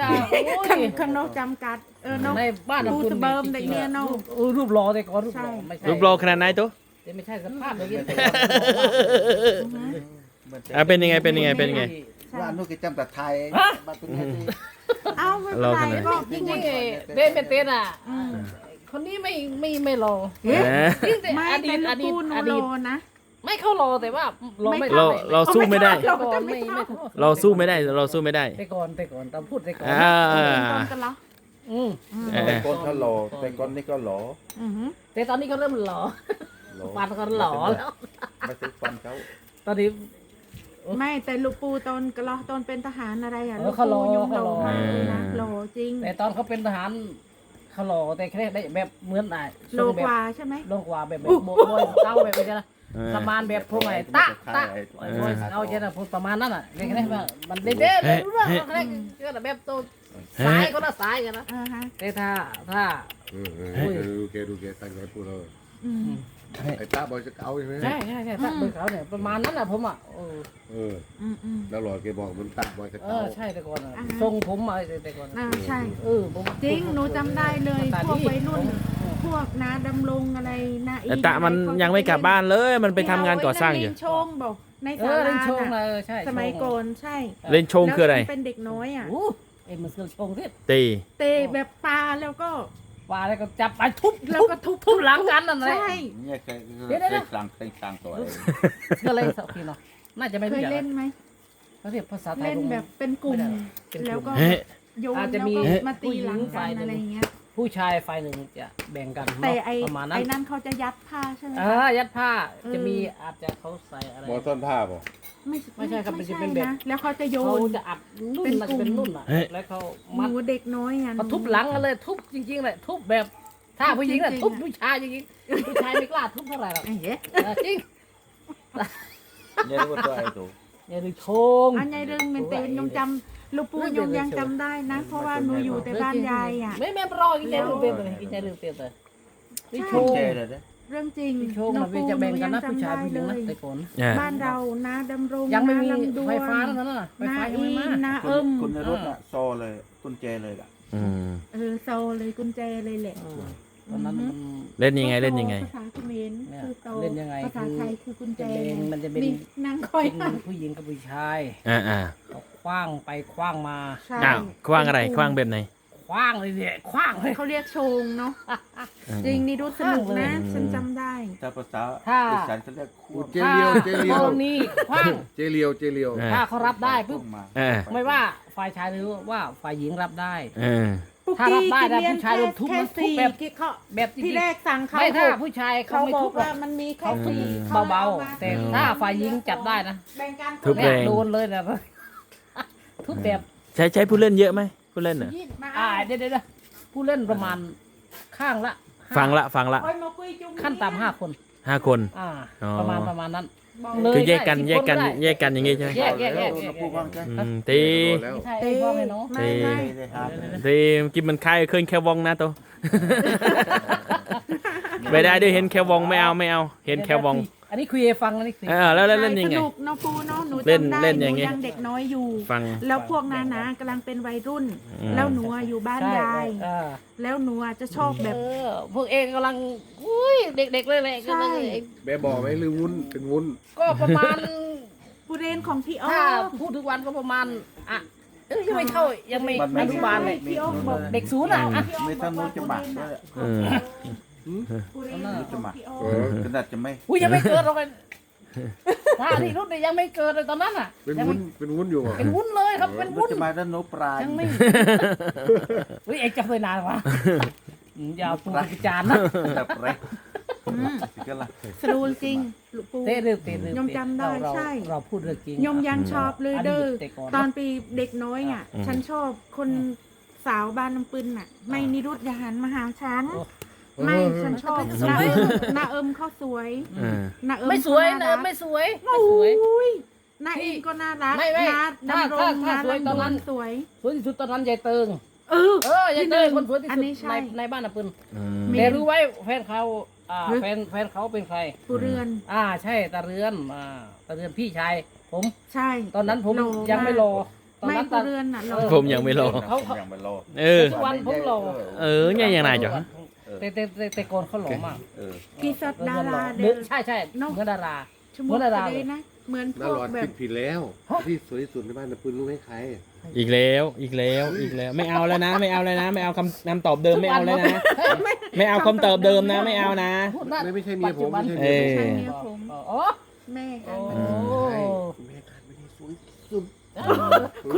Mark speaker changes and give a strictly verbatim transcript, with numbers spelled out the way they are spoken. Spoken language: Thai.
Speaker 1: ข้างข้างนอกจำกัดเออนอก
Speaker 2: ในบ้านเรา
Speaker 1: ปูสเบิร์มเด็กเนี่ยเนาะ
Speaker 2: เออรูปรอแต่ก่อนรูปรอไม่ใช่
Speaker 3: รูปรอขนาดไหนตัว
Speaker 2: แต่ไม่ใช่สภาพอย่างนี้
Speaker 3: อ่ะเป็นยังไงเป็นยังไงเป็นยังไง
Speaker 4: ว่านุกิจำแต่ไทยบ้านตัวนี้
Speaker 1: เอาไม่เป็นไรก็
Speaker 2: จริงๆเด่นเป็นเต้นอ่ะคนนี้ไม่ไม่ไม่รอ
Speaker 1: เอ๊ะ
Speaker 2: จริงแต่
Speaker 1: ไม่
Speaker 2: อดี
Speaker 1: แต่
Speaker 2: ต
Speaker 1: ลู
Speaker 2: อก ดี
Speaker 1: ปู
Speaker 2: ต
Speaker 1: โน
Speaker 2: อ
Speaker 1: โล
Speaker 2: ดีต
Speaker 1: นะ
Speaker 2: ไม่เข้ารอแต่ว่ารอไม่
Speaker 3: เราเราสู้ไม่ได้
Speaker 2: แต่ก่อนไม่ไม่
Speaker 3: เราสู้ไม่ได้เราสู้ไม่ได้
Speaker 2: แต่ก่อนแต่ก่อนตอนพูดแต่ก่อน
Speaker 3: อ่า
Speaker 1: เป็นคนกันเหรอ
Speaker 2: อืม
Speaker 3: เออ
Speaker 4: แต่ก้นเขาหล่อแต่ก้นนี่ก็หล่อ
Speaker 1: อือหือ
Speaker 2: แต่ตอนนี้เขาเริ่มหล่อ
Speaker 4: หล่อ
Speaker 2: ฟันเขาหล่อแล้ว
Speaker 4: ไม่ใช่ฟันเขา
Speaker 2: ตอนนี้
Speaker 1: ไม่แต่ลูกปูตอนกะเหรอตอนเป็นทหารอะไรอ่ะ
Speaker 2: เออ
Speaker 1: ลูก
Speaker 2: เขาหล่
Speaker 1: ปู
Speaker 2: อ
Speaker 1: ยง
Speaker 2: เขา
Speaker 1: โล
Speaker 2: หล่อ
Speaker 1: มากเลยนะโหลจริง
Speaker 2: แต่ตอนเขาเป็นทหารเขาหล่อแต่แค่ได้แบบเหมือนไอ้
Speaker 1: โลกว่าใช่ไหม
Speaker 2: โลกว่าแบบแบบโบยเต้าแบบนี้นะประมาณแบบพวกไอ้ตะตะโบยเอาเจนะพูดประมาณนั้นอ่ะเรียกได้ว่ามันเด็ดเด็ดรู้เรื่องเขาเรียกก็แบบตัวสายก็น่าสายกันนะ
Speaker 1: อ่าฮะ
Speaker 2: แต่ถ้าถ้า
Speaker 5: เออเออดูแกดูแกตั้งใจพูดเลย
Speaker 1: อืม
Speaker 5: ไอ้ตาบอยจะเอาใช่ไหม
Speaker 2: ใช่ใช่ใช่ถ้าเบอร์เขาเนี่ยประมาณนั้นอ่ะผมอ่ะเออ
Speaker 5: เออ
Speaker 1: อืมอืม
Speaker 5: แล้วหลอดแกบอกมันตาบอยจะ
Speaker 2: เอ
Speaker 5: เอา
Speaker 2: อใช่แต่ก่อนอ่ะ
Speaker 1: อ่าฮะ
Speaker 2: ทรงผมมาแต่ก่อน
Speaker 1: อ่าใช่
Speaker 2: เออผม
Speaker 1: จริงหนูจำได้เลย
Speaker 2: ตา
Speaker 1: พวก
Speaker 2: ดี
Speaker 1: วัยรุ่น พวกนาดำรงอะไรนาอี
Speaker 3: แต่ตะมันยังไม่กลับบ้านเลยมันไปทำงานก่อสร้างอยู่
Speaker 1: เล่นโชงบอกใน
Speaker 2: เอ
Speaker 1: ศา
Speaker 2: อ
Speaker 1: ลา
Speaker 2: เล่นโชงเล
Speaker 1: น่ะ
Speaker 2: ยใช่
Speaker 1: สมัยก่อนใช่
Speaker 3: เล่นโชงคืออะไร
Speaker 1: แล้วฉันเป็นเด็กน้อยอ่ะ
Speaker 2: โอ้เอ็มมันคือโชงที่
Speaker 3: ตี
Speaker 1: เตะแบบปลาแล้วก็
Speaker 2: ว่าแล้วก็จับไปทุบ
Speaker 1: แล้วก็ทุบ
Speaker 2: ทุบหลังกันนั่นแหละ
Speaker 1: ใช่
Speaker 4: เนี่ยเคย
Speaker 2: เดี๋ยว
Speaker 4: เค
Speaker 2: เดี๋ยว
Speaker 4: ยกลางเคยกลางตัวเอง
Speaker 2: ก็เลยสักทีเนาะน่าจะไม่
Speaker 1: เค
Speaker 2: รู้
Speaker 1: ย
Speaker 2: จัก
Speaker 1: เล่นไหม
Speaker 2: เขาเรียกภาษาไทย
Speaker 1: เล่นแบบเป็นกลุ่ม
Speaker 2: เป็นกลุ่ม
Speaker 1: แล้วก็
Speaker 3: เฮ้ย
Speaker 1: โยน
Speaker 2: อาจ
Speaker 1: แล้
Speaker 2: จะ
Speaker 1: ว
Speaker 2: มี
Speaker 1: ก็มาตีหลัง
Speaker 2: ผู้หญิง
Speaker 1: กั
Speaker 2: ฝ่าย
Speaker 1: น
Speaker 2: หนึ่ง
Speaker 1: อะไรอย่างเงี้ย
Speaker 2: ผู้ชายฝ่ายหนึ่งจะแบ่งกัน
Speaker 1: แต่
Speaker 2: เนาะ
Speaker 1: ไอ้
Speaker 2: ประมาณนั้
Speaker 1: ไอ้
Speaker 2: น
Speaker 1: นั่นเขาจะยัดผ้าใช่ไหม
Speaker 2: อ่ายัดผ้า
Speaker 1: เออ
Speaker 2: จะมีอาจจะเขาใส่อะไร
Speaker 5: บอต้นผ้าป่ะ
Speaker 1: ไม่
Speaker 2: ไม่ใช่ครับมันจะ
Speaker 1: ไใช่
Speaker 2: เป็นแบบ
Speaker 1: นะแล้วเขาจะโย
Speaker 2: เขา
Speaker 1: น
Speaker 2: จะอัดนุ่น
Speaker 1: เป็น
Speaker 2: มัน
Speaker 1: กลุ่
Speaker 2: จะ
Speaker 1: ม
Speaker 2: เป็นนุ่นอ่ะ
Speaker 3: เฮ้ย
Speaker 2: แล้วเขา
Speaker 1: ห
Speaker 2: มัด
Speaker 1: นูเด็กน้อยอ่ะ
Speaker 2: มาทุบหลังกันเลยทุบจริงๆเลยทุบแบบถ้าผู้หญิงน่ะ
Speaker 1: จริงๆ
Speaker 2: ทุบผู้ชายจริงๆผู้ชายไม่กล้าทุบเท่าไหร่หรอก
Speaker 1: ไอ้เหี้ย
Speaker 2: เออจริง
Speaker 4: เนี่ยรู้ว่าตัวไอ้ตัว
Speaker 2: อย่าดูโชง
Speaker 1: อันใหญ่เรื่องเป็นเตนยงจำลูกปูยงยังจำได้นะ เพราะว่าหนูอยู่แต่บ้านยายอ่ะ
Speaker 2: ไม่แม่รอกินใจลืมเปลี่ยนเลยกินใจลืมเปลี่ยนเลยนี่โช
Speaker 4: กุญ
Speaker 2: ง
Speaker 4: แจเลยนะ
Speaker 1: เรื่องจริง
Speaker 2: นี่โชงมันเป็นจะแบ่งกันนะผู้ชายผู้หญิงนะแต่ก่อน
Speaker 3: อ่า
Speaker 1: บ้านเรานะดำรง
Speaker 2: ยังไม่มี
Speaker 1: นาลำดวน
Speaker 2: ไฟฟ้าแล้วนั่นน่ะไฟ
Speaker 1: นา
Speaker 2: ฟ้ายัง
Speaker 1: อี
Speaker 2: ไม่มา
Speaker 1: นา
Speaker 4: คุ
Speaker 1: เอิ
Speaker 4: ณ
Speaker 1: ม
Speaker 4: คุณในรถน่ะโซเลยกุญแจเลยล่ะ
Speaker 3: อืม
Speaker 1: เออโซเลยกุญแจเลยแหละ
Speaker 2: เออตอนนั้นมัน
Speaker 3: เล่นยังไงเล่นยังไง
Speaker 1: ภาษาเขมร
Speaker 2: เนี่ย
Speaker 1: คือโต
Speaker 2: เล่นยังไง
Speaker 1: ภาษาไทยคือกุญแจ
Speaker 2: จะเป็นมันจะเป็น
Speaker 1: นางคอย
Speaker 2: เป็นผู้หญิงกับผู้ชาย
Speaker 3: อ่าอ่า
Speaker 2: เขาคว้างไปคว้างมา
Speaker 1: ใช่
Speaker 3: อ้าวคว้างอะไรคว้างแบบไหน
Speaker 2: คว้างเลยเนี่ยคว้างเลย
Speaker 1: เขาเรียกโชงเนาะ
Speaker 3: อืม
Speaker 1: จริงนี่ดูสนุกนะ
Speaker 3: อืม
Speaker 1: ฉันจำได้
Speaker 4: ถ้าภาษา
Speaker 2: ถ้า
Speaker 4: อีสานเขาเรียกคู่
Speaker 5: เจเลียวเจเลียว
Speaker 2: ตรงนี้คว้าง
Speaker 5: เจเลียวเจเลียว
Speaker 3: อ่า
Speaker 2: ถ้าเขารับได้ปุ๊บ
Speaker 4: มา
Speaker 3: อ่า
Speaker 2: ไม่ว่าฝ่ายชายหรือว่าฝ่ายหญิงรับได้
Speaker 3: เออ
Speaker 2: ถ้ารับได้นะผู้ชายโดนทุบ
Speaker 1: แค่
Speaker 2: มันทุบ
Speaker 1: สี่
Speaker 2: แบบ
Speaker 1: ที่เขา
Speaker 2: แบบจริงๆ
Speaker 1: ที่แรกสั่งเขา
Speaker 2: ไม่ถ้า
Speaker 1: หก
Speaker 2: ผู้ชายเขา
Speaker 1: เขา
Speaker 2: ไม่
Speaker 1: บอ
Speaker 2: ทุ
Speaker 1: ก
Speaker 2: บหร
Speaker 1: ว่า
Speaker 2: อก
Speaker 1: มันมีแค่
Speaker 2: เขาทุบ
Speaker 1: สี่
Speaker 2: เบาๆแต่ถ้าฝ่ายหญิงจับได้นะ
Speaker 1: แบ่งกัน
Speaker 3: ทุบ
Speaker 2: เนี่
Speaker 3: แร
Speaker 2: ย
Speaker 3: ง
Speaker 2: โดนเลยนะทุบแบบ
Speaker 3: ใช้ใช้ผู้เล่นเยอะไหมผู้เล่นเหรอ
Speaker 1: มา
Speaker 2: อ่าเดี๋ยวเดี๋ยวผู้เล่นประมาณข้างละห้า
Speaker 3: ฟังละฟังละ
Speaker 1: โอ้ยมาคุยจุ่ม
Speaker 2: ขั้นต่ำห้าคน
Speaker 3: ห้าคน
Speaker 2: อ่า
Speaker 3: อ๋อ
Speaker 2: ประมาณประมาณนั้น
Speaker 1: บอก
Speaker 2: เลย
Speaker 3: คือแยกกัน
Speaker 2: ได้
Speaker 3: แยกกัน
Speaker 2: สิบคนก็ได้
Speaker 3: แยกกันอย่างงี้ใช่ไหม
Speaker 2: แยกแยกแยก
Speaker 4: เราพูดบ้างใช่
Speaker 3: อืมตี
Speaker 5: แล้ว
Speaker 2: ใช่ไอ้พ่อให้น้อง
Speaker 1: ไม่ไม่
Speaker 4: ไม่ได้หาเลย
Speaker 3: ตีกินมันคายเคยแค่วองนะตัวไม่ได้ด้วยเห็นแค่วองไม่เอาไม่เอา เห็นแค่วอง
Speaker 2: อันนี้คุยให้ฟังอันนี้คุย
Speaker 3: เออแล้วแล้วเล่นยังไง
Speaker 1: สนุกเนาะปูเนาะหนู
Speaker 3: เล่น
Speaker 1: จำได้
Speaker 3: เล่น
Speaker 1: ห
Speaker 3: อย่างงี้
Speaker 1: นูยังเด็กน้อยอยู่
Speaker 3: ฟัง
Speaker 1: แล้วพวกนานะกำลังเป็นวัยรุ่น
Speaker 3: อืม
Speaker 1: แล้วหนูอะอยู่บ้าน
Speaker 2: ใช่
Speaker 1: ยาย
Speaker 2: เออ
Speaker 1: แล้วหนูอะจะชอบแบบ
Speaker 2: เออพวกเองกำลังอุ้ยเด็กๆเลยแหละ
Speaker 1: ใช่
Speaker 2: กำลัง
Speaker 5: แบบบอกไหมหรือวุ้นเป็นวุ้น
Speaker 2: ก็ประมาณ
Speaker 1: ผู้เรียนของพี่อ้อ
Speaker 2: ถ้าพูดทุกวันก็ประมาณอ่ะเอ้ยยังไม่เข้ายังไม่
Speaker 4: มันไม่
Speaker 2: อนุบาลเลย
Speaker 1: พี่อ้อบอก
Speaker 2: เด็กศูนย์อ่ะอ่ะ
Speaker 4: ไม่ต้องนู้นจะหมักด้วย
Speaker 3: เออ
Speaker 1: ผู้เรียน
Speaker 4: นู้น
Speaker 1: ข
Speaker 4: จะ
Speaker 1: อง
Speaker 4: หมัก
Speaker 1: พี่อ้อ
Speaker 5: เออ
Speaker 4: ขนาดจะไม่
Speaker 2: อุ้ยยังไม่เกิดหรอกไอ้ถ้าที่รุ่นเนี่ยยังไม่เกิดเลยตอนนั้นอ่ะ
Speaker 5: เป็น
Speaker 2: ยัง
Speaker 5: วุ้
Speaker 2: ไม่
Speaker 5: นเป็นวุ้นอยู่อ่ะ
Speaker 2: เป็นวุ้นเลยครับเป็น
Speaker 4: นู้
Speaker 2: วุ้
Speaker 4: น
Speaker 2: น
Speaker 4: จะมาด้านโน้นปลาย
Speaker 2: ยังไม่เฮ้ยเอ็งจะเคยนานวะอืมอยาวปูไปจานนะ
Speaker 4: แบบไร
Speaker 1: อืม
Speaker 4: สิกันละ
Speaker 1: สรูลจริงลูกปู
Speaker 2: เต้เรื่องเต้เรื่อง
Speaker 1: ยมจำได้
Speaker 2: เรา
Speaker 1: ใช่
Speaker 2: เราพูดเรื่องจริง
Speaker 1: ยมยังชอบเลยเด้อ
Speaker 2: แต่ก่อน
Speaker 1: ตอนปีเด็กน้อยอ่ะ ฉันชอบคนสาวบ้านน้ำปืนน่ะ ไม่นิรุตอย่าหันมาหาฉัน ไม่ฉันชอบหน้าเอิมหน้าเอิมเขาสวย
Speaker 3: เออ
Speaker 1: หน้าเอิม
Speaker 2: ไม่สวย
Speaker 1: เขา
Speaker 2: นะ
Speaker 1: น่ารัก
Speaker 2: ไม่สวย
Speaker 1: โอ้
Speaker 2: ไม่สวย
Speaker 1: ยหน้าเองก็น่ารัก
Speaker 2: ไม่ไม่
Speaker 1: หน้า
Speaker 2: ถ้า
Speaker 1: ดำรง
Speaker 2: ถ้า
Speaker 1: หน้า
Speaker 2: ถ้าสวยตอน
Speaker 1: ลำด
Speaker 2: นั้
Speaker 1: วน นสวย
Speaker 2: สวยที่สุดตอนนั้นยายเติง
Speaker 1: เออ
Speaker 2: เออยายเติงคนสวยที่
Speaker 1: อัน
Speaker 2: สุด
Speaker 1: นี้ใช่
Speaker 2: ในในบ้านน่ะปืน
Speaker 3: อืม
Speaker 1: มี
Speaker 2: แต่รู้ไว้แฟนเขาอ่า
Speaker 1: เฮ้ย
Speaker 2: แฟนแฟนเขาเป็นใคร
Speaker 1: ผู้เรือน
Speaker 2: อ่าใช่ตาเรือนอ่าตาเรือนพี่ชายผม
Speaker 1: ใช่
Speaker 2: ตอนนั้นผม
Speaker 1: โล
Speaker 2: ยังไม่รอ
Speaker 1: พ
Speaker 2: ตอน
Speaker 1: ไม่
Speaker 2: นั้นต
Speaker 1: กู
Speaker 2: อน
Speaker 1: เรือนน่ะเรา
Speaker 3: ผมยังไม่รอ
Speaker 2: เขา
Speaker 4: ผมยังไม่รอ
Speaker 3: เออ
Speaker 2: ทุกวันผมรอ
Speaker 3: เออเนี่ยยังไงจ๊ะ
Speaker 2: แต่แต่แต่แต่ก่อนเขาหล่อมาก
Speaker 4: เออ
Speaker 1: กีสดดารา
Speaker 2: เดิ
Speaker 1: เดิ
Speaker 2: น
Speaker 1: น
Speaker 2: ใช่ใช่
Speaker 1: เนอะ
Speaker 2: เหมือนดารา
Speaker 1: ชั่วโม
Speaker 2: เหมื
Speaker 1: ง
Speaker 2: อนดารา
Speaker 1: เลยนะ เหมือนพ
Speaker 5: น่าว
Speaker 1: ก
Speaker 5: หลอด
Speaker 1: แบ
Speaker 5: คิ
Speaker 1: บ
Speaker 5: ดผิดแล้ว ที่สวยที่สุดในบ้านนะปืนรู้ไหมใคร
Speaker 3: อีกแล้วอีกแล้วอีกแล้วไม่เอาแล้วนะ ไม่เอาแล้วนะ ไม่เอาคำคำตอบเดิมไม่เอาแล้วนะ ไม่เอาคำตอบเดิมนะ ไม่เอานะ
Speaker 2: พูดนั่น
Speaker 5: ไม่ไม่ใช่เมียผม
Speaker 2: ปัจ
Speaker 5: ไม่
Speaker 2: จุบัน
Speaker 5: ใช่
Speaker 3: เอ
Speaker 5: เมียผม
Speaker 3: อ
Speaker 1: ใช่เมียผม
Speaker 2: อ๋อ
Speaker 1: แม่กัน
Speaker 2: โอ้
Speaker 5: ใช่แม่การไม่ได้สวยที่สุด